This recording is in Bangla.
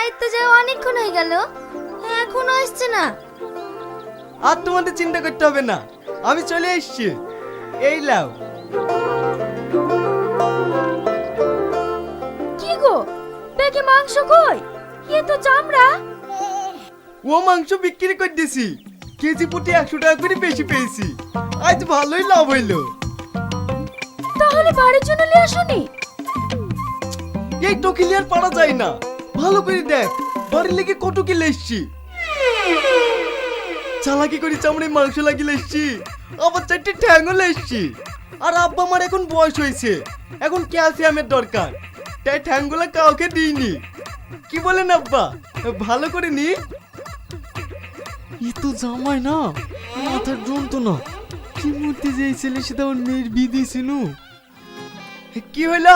বাড়িতে যাই অনেকক্ষণ হয়ে গেল, এখনো আসছে না। আর তোমাদের চিন্তা করতে হবে না, আমি চলে এসেছি। এই লাও। কি গো, ব্যাগে মাংস কই? এ তো চামড়া। ও মাংস বিক্রি করে দিয়েছি, কেজি প্রতি 100 টাকা করে বেশি পেয়েছি। আজ ভালোই লাভ হইলো। তাহলে বাড়ির জন্য নিয়ে আসুনি? এই টকিলি আর পারা যায় না, ভালো করে দেখ বাড়ির লেগে কত কিলো এসছি। চালাকি করে চামড়ায় মাংস লাগিয়ে এসছি, আবার 4টে ঠ্যাংও এসছি। আর আব্বা আমার এখন বয়স হয়েছে, এখন ক্যালসিয়ামের দরকার, তাই ঠ্যাংগুলো কাউকে দিইনি। কি বলেন আব্বা, ভালো করে নি? ই তো জামাই না, মাথার যন্ত্রণা। কি মূর্তি যে ছেলে সেটা ওর মেয়ের বিয়ে দিয়েছিল। কি হইলো